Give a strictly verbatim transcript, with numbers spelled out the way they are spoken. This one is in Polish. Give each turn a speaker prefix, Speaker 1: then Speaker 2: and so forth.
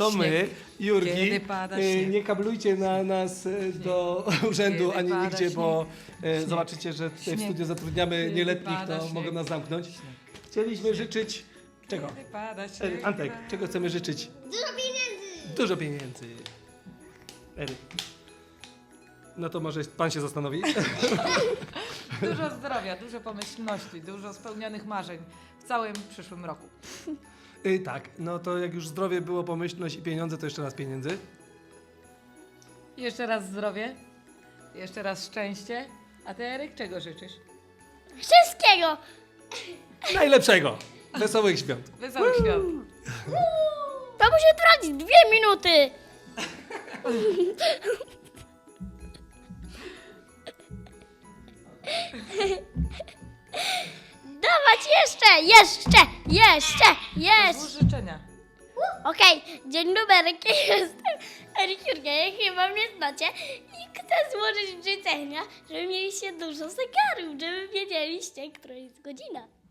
Speaker 1: to my,
Speaker 2: Śnieg.
Speaker 1: Jurgi.
Speaker 2: Kiedy pada
Speaker 1: E,
Speaker 2: śnieg.
Speaker 1: Nie kablujcie na nas e, do urzędu
Speaker 2: Kiedy
Speaker 1: ani
Speaker 2: pada
Speaker 1: nigdzie,
Speaker 2: śnieg.
Speaker 1: bo e,
Speaker 2: Śnieg.
Speaker 1: zobaczycie, że tutaj w
Speaker 2: Śnieg.
Speaker 1: studiu zatrudniamy
Speaker 2: Kiedy
Speaker 1: nieletnich,
Speaker 2: pada
Speaker 1: to
Speaker 2: śnieg.
Speaker 1: mogą nas zamknąć. Chcieliśmy życzyć... Czego?
Speaker 2: Kiedy pada
Speaker 1: E,
Speaker 2: śnieg.
Speaker 1: Antek, czego chcemy życzyć?
Speaker 3: Dużo pieniędzy!
Speaker 1: Dużo pieniędzy. Eryk. No to może pan się zastanowi.
Speaker 2: Dużo zdrowia, dużo pomyślności, dużo spełnionych marzeń w całym przyszłym roku.
Speaker 1: Y, tak, no to jak już zdrowie było, pomyślność i pieniądze, to jeszcze raz pieniędzy.
Speaker 2: Jeszcze raz zdrowie, jeszcze raz szczęście. A ty, Eryk, czego życzysz?
Speaker 3: Wszystkiego!
Speaker 1: Najlepszego! Wesołych świąt.
Speaker 2: Wesołych świąt.
Speaker 3: To musi trwać dwie minuty! Dawać jeszcze, jeszcze, jeszcze, jeszcze!
Speaker 2: Złóż życzenia.
Speaker 3: Okej, dzień dobry, jestem Eryk Jurga, chyba mnie znacie i chcę złożyć życzenia, żeby mieliście dużo zegarów, żeby wiedzieliście, która jest godzina.